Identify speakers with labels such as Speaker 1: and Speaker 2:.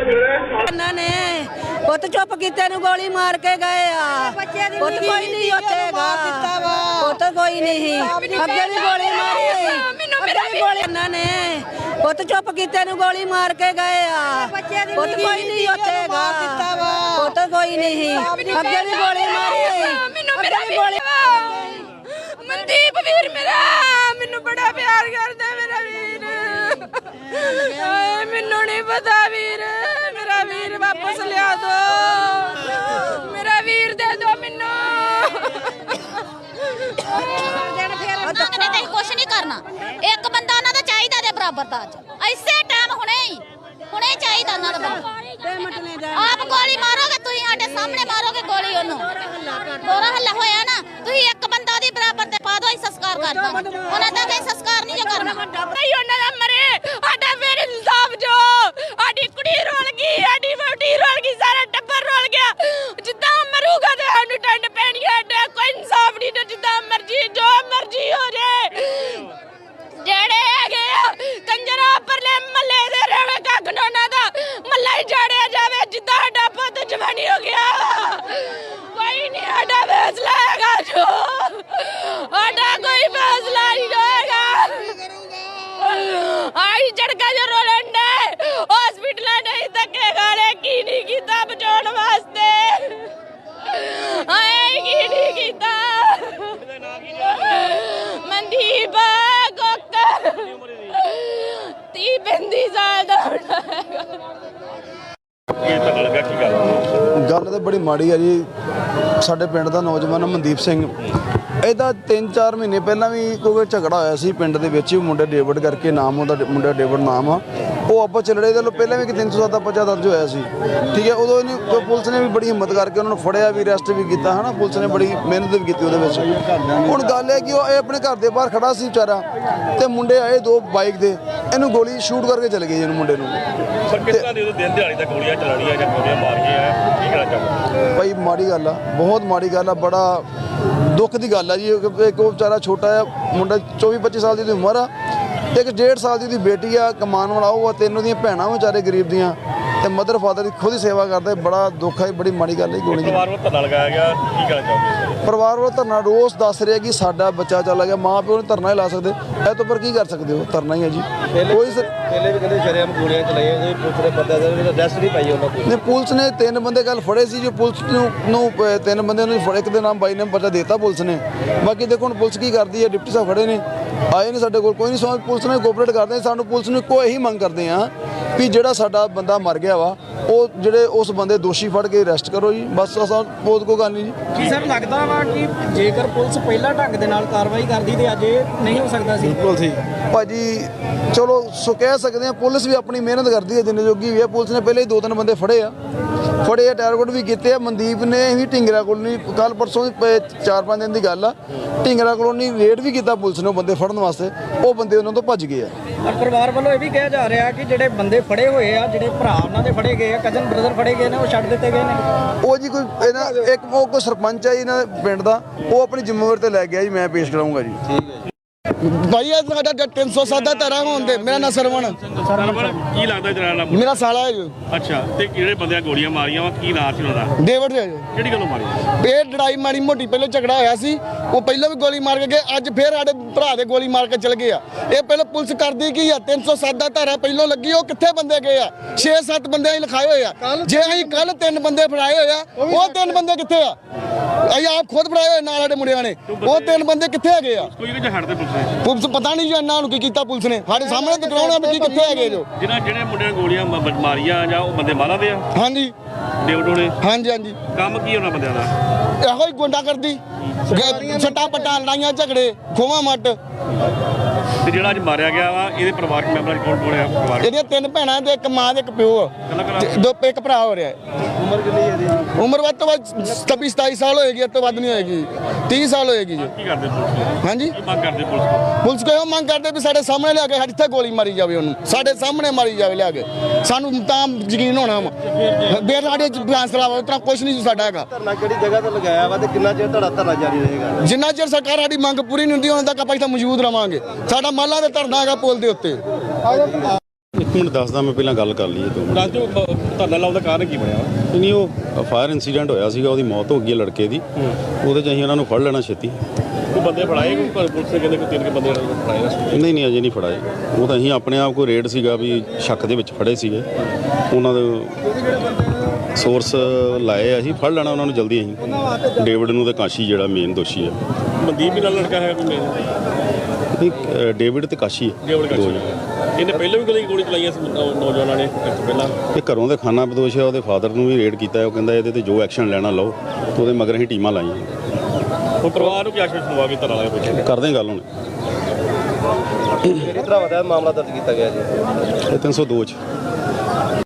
Speaker 1: ने पुत चुप कीते नु गोली मार के गए पुत कोई नहीं होतेगा पुत कोई नहीं अगे भी गोली मारी ने पुत चुप कीते नु गोली मार के गए पुत कोई नहीं होतेगा पुत कोई नहीं अगे भी गोली मारी
Speaker 2: मनदीप वीर मेरा मैनू बड़ा प्यार करदा मेरा वीर मैनू नहीं पता वीर मेरा वीर वापस लिया दो मेरा वीर दे दो मैनू
Speaker 3: कुछ नहीं करना एक बंदा उन्हां दा चाहीदा दे बराबर दा ऐसे टाइम हुणे चाहिए उन्हां दा आप गोली मारोगे तुसीं साडे सामने मारोगे गोली ओनू दोरा हल्ला होया ना तुसीं एक बंदा दी बराबर ते पा दो संस्कार कर दो उन्हां दा कोई संस्कार नहीं जो करना
Speaker 2: नहीं उन्हां दा मरे साडा फिर इंसाफ जो साडी कुड़ी रोल गई साडी वोटी रोल गई सारा टब्बर रोल गया जिद्दां मरूगा ते सानू टंड पैणी है कोई इंसाफ नहीं ते जिद्दां मर्जी जो मर्जी हो जाए जेड़े हैगे कंजरा परले मल्ले दे रवे कगनोना दा मल्ला ही जाड़िया जावे जिद्दां साडा पुੱਤ जवानी हो गया कोई नहीं साडा फैसला हैगा जो साडा कोई फैसला नहीं होएगा आई झड़का जो रोलन ने हॉस्पिटल नहीं धक्के खाने की नहीं कीता बचाउण वास्ते आए की नहीं कीता मनदीप कोकर 30-35 साल दा
Speaker 4: गल तो बड़ी माड़ी है जी। साडे पिंड दा नौजवान मनदीप सिंह ਇਹਦਾ 3-4 ਮਹੀਨੇ ਪਹਿਲਾਂ ਵੀ ਕੋਈ ਝਗੜਾ ਹੋਇਆ ਸੀ ਪਿੰਡ ਦੇ ਵਿੱਚ ਮੁੰਡੇ ਡੇਵਿਡ ਕਰਕੇ ਨਾਮ ਉਹਦਾ ਮੁੰਡਾ ਡੇਵਿਡ ਨਾਮ ਆ ਉਹ ਆਪਾਂ ਚੱਲੜੇ ਦੇ ਲੋ ਪਹਿਲਾਂ ਵੀ ਇੱਕ 307 ਦਾ ਪਰਚਾ ਦਰਜ ਹੋਇਆ ਸੀ ਠੀਕ ਹੈ ਉਦੋਂ ਇਹਨੇ ਪੁਲਿਸ ਨੇ ਵੀ ਬੜੀ ਹਿੰਮਤ ਕਰਕੇ ਉਹਨਾਂ ਨੂੰ ਫੜਿਆ ਵੀ ਅਰੈਸਟ ਵੀ ਕੀਤਾ ਹਨਾ ਪੁਲਿਸ ਨੇ ਬੜੀ ਮਿਹਨਤ ਵੀ ਕੀਤੀ ਉਹਦੇ ਵਿੱਚ ਹੁਣ ਗੱਲ ਹੈ ਕਿ ਉਹ ਇਹ ਆਪਣੇ ਘਰ ਦੇ ਬਾਹਰ ਖੜਾ ਸੀ ਵਿਚਾਰਾ ਤੇ ਮੁੰਡੇ ਆਏ ਦੋ ਬਾਈਕ ਦੇ ਇਹਨੂੰ ਗੋਲੀ ਸ਼ੂਟ ਕਰਕੇ ਚਲੇ ਗਏ ਇਹਨੂੰ ਮੁੰਡੇ ਨੂੰ
Speaker 5: ਪਰ ਕਿਸ ਤਰ੍ਹਾਂ ਦੇ ਦਿਨ ਦਿਹਾੜੀ ਦਾ ਗੋਲੀਆਂ ਚਲਾਉਣੀਆਂ ਜਾਂ ਗੋਲੀਆਂ ਮਾਰੀਆਂ ਕੀ ਕਹਿਣਾ ਚਾਹੁੰਦੇ
Speaker 4: ਭਾਈ ਮਾੜੀ ਗੱਲ ਆ ਬਹੁਤ ਮਾੜੀ ਗੱਲ ਆ ਬੜਾ ਦੁੱਖ ਦੀ ਗੱਲ ਆ ਜੀ ਇੱਕ ਉਹ ਵਿਚਾਰਾ ਛੋਟਾ ਆ ਮੁੰਡਾ 24-25 ਸਾਲ ਦੀ ਉਮਰ ਆ ਇੱਕ 1.5 ਸਾਲ ਦੀ ਬੇਟੀ ਆ ਕਮਾਉਣ ਵਾਲਾ ਉਹ ਆ ਤਿੰਨ ਉਹਦੀਆਂ ਭੈਣਾਂ ਵਿਚਾਰੇ ਗਰੀਬ ਦੀਆਂ ਤੇ ਮਦਰ ਫਾਦਰ ਦੀ ਖੁਦ ਹੀ ਸੇਵਾ ਕਰਦੇ ਬੜਾ ਦੁੱਖ ਹੈ ਬੜੀ ਮਾੜੀ ਗੱਲ ਹੈ ਗੋਲੀ
Speaker 5: ਪਰਿਵਾਰ ਵੱਲੋਂ ਧਰਨਾ ਲਗਾਇਆ ਗਿਆ ਕੀ ਕਹਿਣਾ ਚਾਹੁੰਦੇ
Speaker 4: ਪਰਿਵਾਰ ਵੱਲੋਂ ਧਰਨਾ ਰੋਸ ਦੱਸ ਰਿਹਾ ਕਿ ਸਾਡਾ ਬੱਚਾ ਚਲਾ ਗਿਆ ਮਾਂ ਪਿਓ ਨੂੰ ਧਰਨਾ ਹੀ ਲਾ ਸਕਦੇ ਇਹ ਤੋਂ ਪਰ ਕੀ ਕਰ ਸਕਦੇ ਹੋ ਧਰਨਾ ਹੀ ਹੈ ਜੀ ਕੋਈ
Speaker 6: ਪਹਿਲੇ ਵੀ ਕਹਿੰਦੇ ਸ਼ਰੇਆਮ ਗੋਲੀਆਂ ਚਲਾਈਆਂ ਕੋਈ ਪੁਲਿਸ ਨੇ ਪਤਾ ਦੇ ਅਰੈਸਟ ਨਹੀਂ ਪਾਈ ਉਹਨਾਂ ਕੋਲ
Speaker 4: ਨੇ ਪੁਲਿਸ ਨੇ 3 ਬੰਦੇ ਕੱਲ ਫੜੇ ਸੀ ਜੋ ਪੁਲਿਸ ਨੂੰ 3 ਬੰਦਿਆਂ ਨੂੰ ਫੜੇ ਇੱਕ ਦੇ ਨਾਮ ਬਾਈ ਨੇ ਪਰਚਾ ਦੇਤਾ ਪੁਲਿਸ ਨੇ ਬਾਕੀ ਦੇਖੋ ਹੁਣ ਪੁਲਿਸ ਕੀ ਕਰਦੀ ਹੈ ਡਿਪਟੀ ਸਾਹਿਬ ਖੜੇ ਨੇ ਆਏ ਨੇ ਸਾਡੇ ਕੋਲ ਕੋਈ ਨਹੀਂ ਸਮਝ ਪੁਲਿਸ ਨੇ ਕੋਆਪਰੇਟ ਕਰਦੇ ਸਾਨੂੰ ਪੁਲਿਸ ਨੂੰ ਕੋਈ ਇਹੀ ਮੰਗ ਕਰਦੇ ਆ ਵੀ ਜਿਹੜਾ ਸਾਡਾ ਬੰਦਾ ਮਰ ਗਿਆ ਵਾ ਉਹ ਜਿਹੜੇ ਉਸ ਬੰਦੇ ਦੋਸ਼ੀ ਫੜ ਕੇ ਅਰੈਸਟ ਕਰੋ ਜੀ ਬਸ ਅਸਾਂ ਬਹੁਤ ਕੋਈ ਗੱਲ ਨਹੀਂ ਜੀ
Speaker 7: ਕੀ ਸਰ ਲੱਗਦਾ ਵਾ ਕਿ ਜੇਕਰ ਪੁਲਿਸ ਪਹਿਲਾਂ ਢੰਗ ਦੇ ਨਾਲ ਕਾਰਵਾਈ ਕਰਦੀ ਤੇ ਅੱਜ ਇਹ ਨਹੀਂ ਹੋ ਸਕਦਾ ਸੀ
Speaker 4: ਬਿਲਕੁਲ ਸੀ ਭਾਜੀ ਚਲੋ ਸੋ ਕਹਿ ਸਕਦੇ ਆ ਪੁਲਿਸ ਵੀ ਆਪਣੀ ਮਿਹਨਤ ਕਰਦੀ ਹੈ ਜਿੰਨੇ ਜੋਗੀ ਵੀ ਹੈ ਪੁਲਿਸ ਨੇ ਪਹਿਲੇ ਹੀ 2-3 ਬੰਦੇ ਫੜੇ ਆ ਟਾਰਗੇਟ ਵੀ ਕੀਤੇ ਆ ਮਨਦੀਪ ਨੇ ਵੀ ਢਿੰਗਰਾ ਕੋਲੋਂ ਕੱਲ ਪਰਸੋਂ 4-5 ਦਿਨ ਦੀ ਗੱਲ ਆ ਢਿੰਗਰਾ ਕੋਲੋਂ ਰੇਡ ਵੀ ਕੀਤਾ ਪੁਲਿਸ ਨੇ ਉਹ ਬੰਦੇ ਫੜਨ ਵਾਸਤੇ ਉਹ ਬੰਦੇ ਉਹਨਾਂ ਤੋਂ ਭੱਜ ਗਏ ਆ
Speaker 7: ਪਰ ਪਰਿਵਾਰ ਵੱਲੋਂ ਇਹ ਵੀ ਕਿਹਾ ਜਾ ਰਿਹਾ ਕਿ ਜਿਹੜੇ ਬੰਦੇ ਫੜੇ ਹੋਏ ਆ ਜਿਹੜੇ ਭਰਾ ਉਹਨਾਂ ਦੇ ਫੜੇ ਗਏ ਆ ਕਜ਼ਨ ਬ੍ਰਦਰ ਫੜੇ ਗਏ ਨੇ ਉਹ ਛੱਡ ਦਿੱਤੇ ਗਏ ਨੇ
Speaker 4: ਉਹ ਜੀ ਕੋਈ ਇਹਨਾਂ ਇੱਕ ਉਹ ਕੋਈ ਸਰਪੰਚ ਆ ਜੀ ਇਹਨਾਂ ਪਿੰਡ ਦਾ ਉਹ ਆਪਣੀ ਜ਼ਿੰਮੇਵਾਰੀ ਤੇ ਲੈ ਗਿਆ ਜੀ ਮੈਂ ਪੇਸ਼ ਕਰਾਉਂਗਾ ਜੀ ਠੀਕ ਹੈ ਜੀ
Speaker 8: ਭਾਈ ਇਹ ਸਾਡਾ 307 ਦਾ ਧਾਰਾ ਹੋਣ ਦੇ ਮੇਰਾ ਨਾਂ ਸਰਵਣ
Speaker 5: ਕੀ ਲੱਗਦਾ ਤੇਰਾ ਨਾਮ
Speaker 8: ਮੇਰਾ ਸਾਲਾ ਹੈ ਜੀ
Speaker 5: ਅੱਛਾ ਤੇ ਜਿਹੜੇ ਬੰਦਿਆਂ ਗੋਲੀਆਂ ਮਾਰੀਆਂ ਵਾ ਕੀ ਨਾਂ ਸੀ ਉਹਨਾਂ ਦਾ
Speaker 8: ਡੇਵਿਡ ਹੈ ਜੀ
Speaker 5: ਕਿਹੜੀ ਗੱਲੋਂ ਮਾਰੀ
Speaker 8: ਇਹ ਲੜਾਈ ਮਾੜੀ ਮੋਟੀ ਪਹਿਲਾਂ ਝਗੜਾ ਹੋਇਆ ਸੀ ਉਹ ਪਹਿਲਾਂ ਵੀ ਗੋਲੀ ਮਾਰ ਕੇ ਗਏ ਅੱਜ ਫੇਰ ਸਾਡੇ ਭਰਾ ਦੇ ਗੋਲੀ ਮਾਰ ਕੇ ਚਲ ਗਏ ਆ ਇਹ ਪਹਿਲਾਂ ਪੁਲਿਸ ਕਰਦੀ ਕੀ ਆ 307 ਦਾ ਧਾਰਾ ਪਹਿਲਾਂ ਲੱਗੀ ਉਹ ਕਿੱਥੇ ਬੰਦੇ ਗਏ ਆ 6-7 ਬੰਦੇ ਹੀ ਲਿਖਾਏ ਹੋਏ ਆ ਜੇ ਅਸੀਂ ਕੱਲ 3 ਬੰਦੇ ਫੜਾਏ ਹੋਏ ਆ ਉਹ 3 ਬੰਦੇ ਕਿੱਥੇ ਆ ਅਸੀਂ ਆਪ ਖੁਦ ਫੜਾਏ ਹੋਏ ਨਾਲ ਸਾਡੇ ਮੁੰਡਿਆਂ ਨੇ ਉਹ 3 ਬੰਦੇ ਕਿੱਥੇ ਹੈਗੇ ਆ
Speaker 5: ਕੋਈ ਕਿ ਹਟਦੇ
Speaker 8: ਪੁਲਿਸ ਪਤਾ ਨਹੀਂ ਜੀ ਇਹਨਾਂ ਨੂੰ ਕੀ ਕੀਤਾ ਪੁਲਿਸ ਨੇ ਸਾਡੇ ਸਾਹਮਣੇ ਦਿਖਾਉਣਾ ਵੀ ਕਿੱਥੇ ਹੈਗੇ ਜੋ
Speaker 5: ਜਿਹੜੇ ਮੁੰਡਿਆਂ ਗੋਲੀਆਂ ਮਾਰੀਆਂ ਜਾਂ ਉਹ ਬੰਦੇ ਮਾਰਾਂ ਦੇ ਆ
Speaker 8: ਹਾਂਜੀ
Speaker 5: ਡੇਵਿਡ ਹੋਣੇ
Speaker 8: ਹਾਂਜੀ ਹਾਂਜੀ
Speaker 5: ਕੰਮ ਕੀ ਉਹਨਾਂ ਬੰਦਿਆਂ ਦਾ
Speaker 8: ਇਹੋ ਹੀ ਗੁੰਡਾ ਕਰਦੀ ਛੱਟਾ ਪੱਟਾਂ ਲੜਾਈਆਂ ਝਗੜੇ ਖੋਵਾ ਮੱਟ
Speaker 5: ਤੇ ਜਿਹੜਾ ਅੱਜ ਮਾਰਿਆ ਗਿਆ ਵਾ ਇਹਦੇ ਪਰਿਵਾਰਕ ਮੈਂਬਰਾਂ ਚ ਕੌਣ ਆ ਪਰਿਵਾਰ
Speaker 8: ਇਹਦੀਆਂ 3 ਭੈਣਾਂ ਤੇ ਇੱਕ ਮਾਂ ਤੇ ਇੱਕ ਪਿਓ ਆ ਇੱਕ ਭਰਾ ਹੋ ਰਿਹਾ
Speaker 6: ਉਮਰ ਕਿੰਨੀ ਹੈ ਇਹਦੀ
Speaker 8: ਉਮਰ ਵੱਧ ਤੋਂ ਵੱਧ 27 ਸਾਲ ਹੋਏਗੀ ਇਸ ਤੋਂ ਵੱਧ ਨਹੀਂ ਹੋਏਗੀ 30 ਸਾਲ ਹੋਏਗੀ ਜੀ
Speaker 5: ਕੀ ਕਰਦੇ ਪੁਲਿਸ
Speaker 8: ਹਾਂਜੀ
Speaker 5: ਕੀ ਮੰਗ ਕਰਦੇ ਪੁਲਿਸ
Speaker 8: ਪੁਲਿਸ ਕੋ ਇਹ ਮੰਗ ਕਰਦੇ ਵੀ ਸਾਡੇ ਸਾਹਮਣੇ ਲਿਆ ਕੇ ਇੱਥੇ ਗੋਲੀ ਮਾਰੀ ਜਾਵੇ ਉਹਨੂੰ ਸਾਡੇ ਸਾਹਮਣੇ ਮਾਰੀ ਜਾਵੇ ਲਿਆ ਕੇ ਸਾਨੂੰ ਤਾਂ ਯਕੀਨ ਹੋਣਾ ਵਾ ਬੇਰ ਸਾਡੇ ਫੈਸਲਾ ਵਾ ਉਤਰਾ ਕੁਝ ਨਹੀਂ ਸਾਡਾ ਹੈਗਾ
Speaker 6: ਧਰਨਾ ਕਿਹੜੀ ਜਗ੍ਹਾ ਤੇ ਲਗਾਇਆ ਵਾ ਤੇ ਕਿੰਨਾ ਚਿਰ ਤੁਹਾਡਾ ਧਰਨਾ ਜਾਰੀ ਰਹੇਗਾ
Speaker 8: ਜਿੰਨਾ ਚਿਰ ਸਰਕਾਰ ਸਾਡੀ ਮੰਗ ਪੂਰੀ ਨਹੀਂ ਹੁੰਦੀ ਉਹਨਾਂ ਤੱਕ ਆਪਾਂ ਇੱਥੇ ਮੌਜੂਦ ਰਵਾਂਗੇ ਸਾਡਾ ਮਾਲਾ ਤੇ ਧਰਨਾ ਹੈਗਾ ਪੁਲ ਦੇ ਉੱਤੇ
Speaker 9: ਇੱਕ ਮਿੰਟ ਦੱਸਦਾ ਮੈਂ ਪਹਿਲਾਂ ਗੱਲ ਕਰ ਲਈਏ 2 ਮਿੰਟ।
Speaker 5: ਦੱਸ ਦਿਓ ਧਰਨਾ ਲਾਉਣ ਦਾ ਕਾਰਨ ਕੀ ਬਣਿਆ
Speaker 9: ਨਹੀਂ ਉਹ ਫਾਇਰ ਇਨਸੀਡੈਂਟ ਹੋਇਆ ਸੀਗਾ, ਉਹਦੀ ਮੌਤ ਹੋ ਗਈ ਹੈ ਲੜਕੇ ਦੀ। ਉਹਦੇ 'ਚ ਅਸੀਂ ਉਹਨਾਂ ਨੂੰ ਫੜ ਲੈਣਾ ਛੇਤੀ।
Speaker 5: ਕੋਈ ਬੰਦੇ ਫੜਾਏ ਕੋਈ ਪੁਲਿਸ ਨੇ ਕਹਿੰਦੇ ਕੋਈ 3 ਬੰਦੇ ਫੜਾਏ ਨੇ?
Speaker 9: ਨਹੀਂ ਅਜੇ ਨਹੀਂ ਫੜਾਏ। ਉਹ ਤਾਂ ਅਸੀਂ ਆਪਣੇ ਆਪ ਕੋਈ ਰੇਡ ਸੀਗਾ ਵੀ ਸ਼ੱਕ ਦੇ ਵਿੱਚ ਫੜੇ ਸੀਗੇ, ਉਹਨਾਂ ਦੇ ਸੋਰਸ ਲਾਏ ਆ, ਅਸੀਂ ਫੜ ਲੈਣਾ ਉਹਨਾਂ ਨੂੰ ਜਲਦੀ। ਅਸੀਂ ਡੇਵਿਡ ਨੂੰ ਤੇ ਕਾਸ਼ੀ ਜਿਹੜਾ ਮੇਨ ਦੋਸ਼ੀ ਹੈ।
Speaker 5: ਮਨਦੀਪ ਵੀ ਨਾਲ ਲੜਕਾ ਹੈ ਕੋਈ ਮੇਨ?
Speaker 9: ਨਹੀਂ ਡੇਵਿਡ ਤੇ ਕਾਸ਼ੀ ਹੈ
Speaker 5: ਡੇਵਿਡ
Speaker 9: ਦੋ
Speaker 5: ਕਾਸ਼ੀ।
Speaker 9: ਜਣੇ।
Speaker 5: ਇਹਨੇ ਪਹਿਲਾਂ ਵੀ ਗੋਲੀ ਚਲਾਈਆਂ ਸੀ ਨੌਜਵਾਨਾਂ ਨੇ ਪਹਿਲਾਂ?
Speaker 9: ਇਹ ਘਰੋਂ ਦੇ ਖਾਨਾ ਬਦੋਸ਼ ਹੈ, ਉਹਦੇ ਫਾਦਰ ਨੂੰ ਵੀ ਰੇਡ ਕੀਤਾ ਹੈ। ਉਹ ਕਹਿੰਦਾ ਇਹਦੇ ਤੇ ਜੋ ਐਕਸ਼ਨ ਲੈਣਾ ਲਓ, ਤੇ ਉਹਦੇ ਮਗਰ ਅਸੀਂ ਟੀਮਾਂ ਲਾਈਆਂ।
Speaker 5: ਉਹ ਪਰਿਵਾਰ ਨੂੰ ਕੀ ਆਸ਼ਵਾਸਨ ਦਵਾ ਕੇ ਧਰਨਾ ਲਾਇਆ ਪਿੱਛੇ?
Speaker 9: ਕਰਦੇ ਗੱਲ ਹੁਣ।
Speaker 6: ਕਿਹੜੀ ਤਰ੍ਹਾਂ ਦਾ ਮਾਮਲਾ ਦਰਜ ਕੀਤਾ ਗਿਆ ਜੀ?
Speaker 9: ਇਹ 302 'ਚ